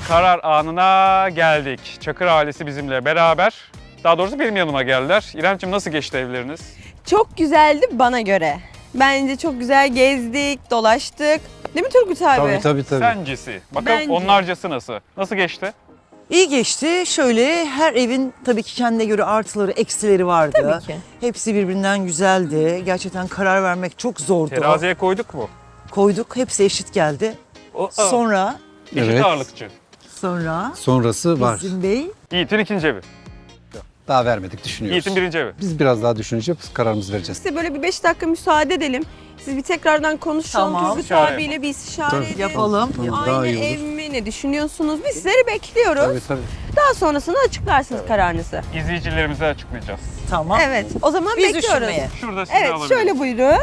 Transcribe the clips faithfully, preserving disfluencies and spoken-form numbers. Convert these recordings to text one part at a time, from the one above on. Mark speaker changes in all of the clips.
Speaker 1: karar anına geldik. Çakır ailesi bizimle beraber. Daha doğrusu benim yanıma geldiler. İremciğim nasıl geçti evleriniz?
Speaker 2: Çok güzeldi bana göre. Bence çok güzel gezdik, dolaştık. Değil mi Turgut abi?
Speaker 3: Tabii tabii tabii.
Speaker 1: Sencesi. Bakalım
Speaker 2: Bence.
Speaker 1: onlarcası nasıl? Nasıl geçti?
Speaker 4: İyi geçti. Şöyle her evin tabii ki kendine göre artıları, eksileri vardı.
Speaker 2: Tabii ki.
Speaker 4: Hepsi birbirinden güzeldi. Gerçekten karar vermek çok zordu.
Speaker 1: Teraziye koyduk mu?
Speaker 4: Koyduk. Hepsi eşit geldi.
Speaker 1: O,
Speaker 4: Sonra,
Speaker 1: eşit
Speaker 3: Evet.
Speaker 1: ağırlıkçı.
Speaker 4: sonra
Speaker 3: Sonrası var.
Speaker 4: Bizim Bey
Speaker 1: Yiğit'in ikinci evi.
Speaker 3: Daha vermedik, düşünüyoruz.
Speaker 1: Yiğit'in birinci evi.
Speaker 3: Biz biraz daha düşüneceğiz, kararımızı vereceğiz.
Speaker 2: Size böyle bir beş dakika müsaade edelim. Siz bir tekrardan konuşalım.
Speaker 4: Tamam.
Speaker 2: Turgut
Speaker 1: İstişare
Speaker 2: abiyle bir istişare
Speaker 3: Tabii.
Speaker 2: edin.
Speaker 4: yapalım.
Speaker 3: Tamam, daha
Speaker 2: Aynı
Speaker 3: iyi olur.
Speaker 2: ev mi, ne düşünüyorsunuz? Biz sizleri bekliyoruz.
Speaker 3: Tabii tabii.
Speaker 2: Daha sonrasında açıklarsınız kararınızı.
Speaker 1: İzleyicilerimize açıklayacağız.
Speaker 4: Tamam.
Speaker 2: Evet, o zaman
Speaker 4: Biz
Speaker 2: bekliyoruz.
Speaker 4: düşünmeye.
Speaker 1: Şurada sizi
Speaker 2: Evet,
Speaker 1: alabilirim.
Speaker 2: şöyle buyurun.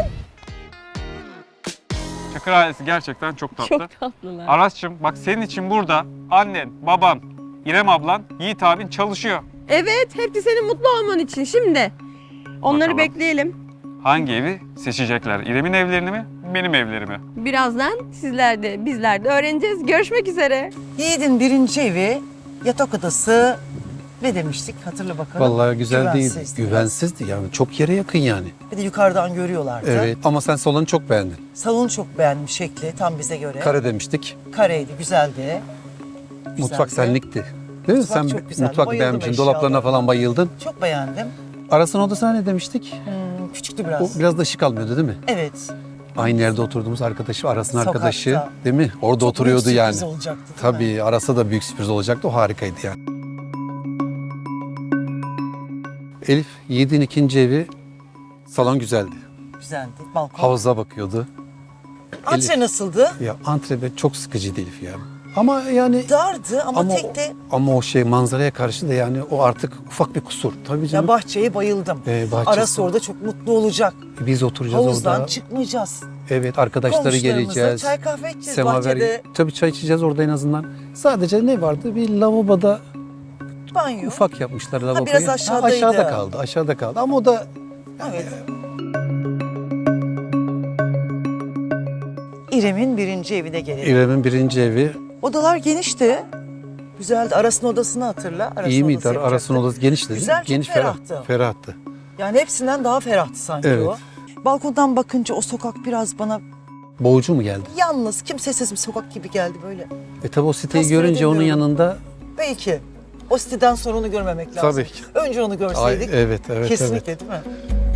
Speaker 1: Çakır ailesi gerçekten çok tatlı.
Speaker 2: Çok tatlılar.
Speaker 1: Aras'cığım bak senin için burada annen, baban, İrem ablan, Yiğit abin çalışıyor.
Speaker 2: Evet, hepsi senin mutlu olman için. Şimdi onları
Speaker 1: Bakalım.
Speaker 2: bekleyelim.
Speaker 1: Hangi evi seçecekler? İrem'in evlerini mi, benim evlerimi?
Speaker 2: Birazdan sizler de bizler de öğreneceğiz. Görüşmek üzere.
Speaker 4: Yiğit'in birinci evi, yatak odası ne demiştik hatırla bakalım.
Speaker 3: Vallahi güzel değildi.
Speaker 4: Güvensizdi.
Speaker 3: Güvensizdi yani. Çok yere yakın yani.
Speaker 4: Bir de yukarıdan görüyorlardı.
Speaker 3: Evet. Ama sen salonu çok beğendin.
Speaker 4: Salonu çok beğendim şekli tam bize göre.
Speaker 3: Kare demiştik.
Speaker 4: Kareydi, güzeldi.
Speaker 3: Mutfak
Speaker 4: Güzeldi.
Speaker 3: senlikti. Değil mi?
Speaker 4: Mutfak
Speaker 3: Sen
Speaker 4: çok güzeldi.
Speaker 3: mutfak
Speaker 4: Bayıldım
Speaker 3: beğenmişsin.
Speaker 4: eşyalara.
Speaker 3: Dolaplarına falan bayıldın.
Speaker 4: Çok beğendim.
Speaker 3: Aras'ın odasına ne demiştik?
Speaker 4: Hmm, küçüktü
Speaker 3: O
Speaker 4: biraz.
Speaker 3: biraz da ışık almıyordu değil mi?
Speaker 4: Evet.
Speaker 3: Aynı yerde oturduğumuz arkadaşı, Aras'ın
Speaker 4: Sokakta.
Speaker 3: arkadaşı değil mi? Orada
Speaker 4: Çok
Speaker 3: oturuyordu
Speaker 4: büyük
Speaker 3: yani.
Speaker 4: sürpriz olacaktı, değil mi?
Speaker 3: Tabii Aras'a da büyük sürpriz olacaktı. O harikaydı yani. Elif, Yiğit'in ikinci evi, salon güzeldi.
Speaker 4: Güzeldi. Balkon.
Speaker 3: Havuza bakıyordu.
Speaker 4: Antre nasıldı?
Speaker 3: Ya antrebe çok sıkıcıydı Elif ya. Ama yani
Speaker 4: Dardı ama,
Speaker 3: ama,
Speaker 4: tek de
Speaker 3: ama o şey manzaraya karşı da yani o artık ufak bir kusur. Tabii canım.
Speaker 4: ya bahçeye bayıldım.
Speaker 3: Ee, bahçesi.
Speaker 4: Arası orada çok mutlu olacak.
Speaker 3: Biz oturacağız
Speaker 4: Havuzdan
Speaker 3: orada.
Speaker 4: çıkmayacağız.
Speaker 3: Evet, arkadaşları
Speaker 4: Komşularımızla
Speaker 3: geleceğiz.
Speaker 4: çay kahve içeceğiz
Speaker 3: Semaver.
Speaker 4: bahçede.
Speaker 3: Tabii çay içeceğiz orada en azından. Sadece ne vardı? Bir lavaboda
Speaker 4: Banyo.
Speaker 3: ufak yapmışlar lavaboyu.
Speaker 4: biraz aşağıdaydı.
Speaker 3: aşağıda kaldı. Aşağıda kaldı. Ama o da
Speaker 4: Evet. İrem'in birinci evine gelelim.
Speaker 3: İrem'in birinci evi.
Speaker 4: Odalar genişti. Güzeldi. Aras'ın odasını hatırla. Aras'ın
Speaker 3: İyi miydi?
Speaker 4: odası
Speaker 3: Aras'ın
Speaker 4: yapacaktık.
Speaker 3: odası genişti değil mi?
Speaker 4: Güzel, çok
Speaker 3: Geniş,
Speaker 4: ferahtı.
Speaker 3: Ferahtı.
Speaker 4: Yani hepsinden daha ferahtı sanki
Speaker 3: Evet.
Speaker 4: o. Balkondan bakınca o sokak biraz bana
Speaker 3: Boğucu mu geldi?
Speaker 4: yalnız, kimsesiz bir sokak gibi geldi böyle.
Speaker 3: E tabi o siteyi
Speaker 4: Tasvir
Speaker 3: görünce onun
Speaker 4: edemiyorum.
Speaker 3: yanında
Speaker 4: Belki o siteden sonra onu görmemek lazım.
Speaker 3: Tabii ki.
Speaker 4: Önce onu
Speaker 3: Ay,
Speaker 4: görseydik.
Speaker 3: evet evet
Speaker 4: Kesinlikle
Speaker 3: evet.
Speaker 4: değil mi?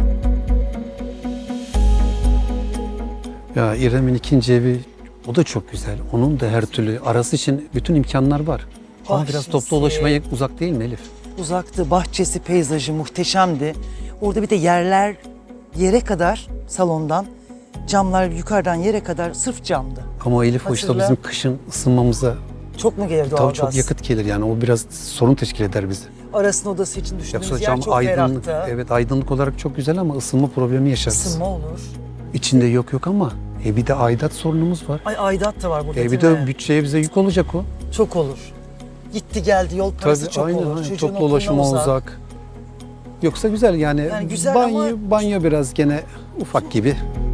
Speaker 3: Ya İrem'in ikinci evi o da çok güzel. Onun da her türlü arası için bütün imkanlar var. Ama biraz
Speaker 4: Bahçesi.
Speaker 3: toplu ulaşmaya uzak değil mi Elif?
Speaker 4: Uzaktı, bahçesi, peyzajı muhteşemdi. Orada bir de yerler yere kadar salondan, camlar yukarıdan yere kadar sırf camdı.
Speaker 3: Ama Elif o işte
Speaker 4: Hatırla.
Speaker 3: bizim kışın ısınmamıza
Speaker 4: Çok mu geldi o
Speaker 3: tabii çok
Speaker 4: gaz?
Speaker 3: yakıt gelir yani o biraz sorun teşkil eder bizi.
Speaker 4: Aras'ın odası için düşündüğümüz
Speaker 3: Yoksa
Speaker 4: yer
Speaker 3: cam
Speaker 4: çok
Speaker 3: aydınlık,
Speaker 4: ferahtı.
Speaker 3: evet aydınlık olarak çok güzel ama ısınma problemi yaşarız.
Speaker 4: Isınma olur.
Speaker 3: İçinde yok yok ama e bir de aidat sorunumuz var.
Speaker 4: Ay aidat da var burada
Speaker 3: E bir
Speaker 4: değil
Speaker 3: de
Speaker 4: mi?
Speaker 3: bütçeye bize yük olacak o.
Speaker 4: Çok olur. Gitti geldi yol parası
Speaker 3: Tabii
Speaker 4: çok
Speaker 3: aynen,
Speaker 4: olur.
Speaker 3: aynen.
Speaker 4: Çocuğun
Speaker 3: Toplu
Speaker 4: okuluna
Speaker 3: ulaşıma uzak.
Speaker 4: uzak.
Speaker 3: Yoksa güzel yani,
Speaker 4: Yani güzel
Speaker 3: banyo,
Speaker 4: ama-
Speaker 3: banyo biraz gene ufak gibi.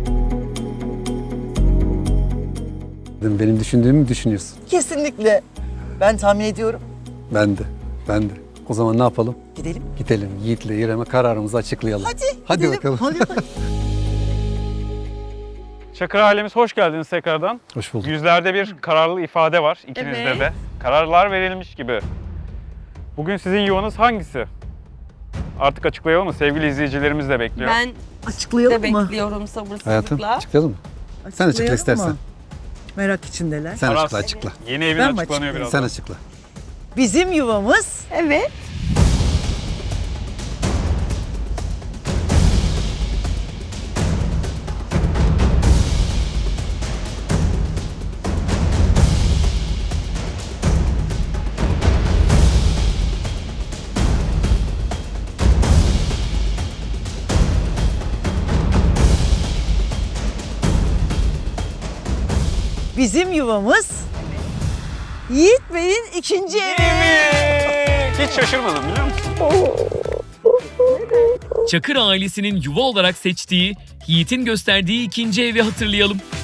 Speaker 3: Benim düşündüğümü düşünüyorsun.
Speaker 4: Kesinlikle. Ben tahmin ediyorum.
Speaker 3: Ben de, ben de. O zaman ne yapalım?
Speaker 4: Gidelim.
Speaker 3: Gidelim Yiğit'le İrem'e kararımızı açıklayalım.
Speaker 4: Hadi.
Speaker 3: Hadi
Speaker 4: gidelim.
Speaker 3: bakalım.
Speaker 4: Hadi.
Speaker 1: Çakır ailemiz hoş geldiniz tekrardan.
Speaker 3: Hoş bulduk.
Speaker 1: Yüzlerde bir kararlı ifade var ikinizde
Speaker 2: Evet.
Speaker 1: de. Kararlar verilmiş gibi. Bugün sizin yuvanız hangisi? Artık açıklayalım mı? Sevgili izleyicilerimiz de bekliyor.
Speaker 2: Ben de
Speaker 4: Açıklayalım mı?
Speaker 2: bekliyorum sabırsızlıkla.
Speaker 3: Hayatım açıklayalım mı? Sen açıkla
Speaker 4: Açıklayalım
Speaker 3: istersen.
Speaker 4: mı? Merak içindeler.
Speaker 3: Sen
Speaker 1: Aras,
Speaker 3: açıkla açıkla.
Speaker 1: Yeni evin
Speaker 4: Ben mi
Speaker 1: açıklanıyor
Speaker 4: açıklayayım?
Speaker 1: birazdan.
Speaker 3: Sen açıkla.
Speaker 4: Bizim yuvamız
Speaker 2: Evet.
Speaker 4: Bizim yuvamız Yiğit Bey'in ikinci evi.
Speaker 1: Evet. Hiç şaşırmadım biliyor musun?
Speaker 5: Çakır ailesinin yuva olarak seçtiği, Yiğit'in gösterdiği ikinci evi hatırlayalım.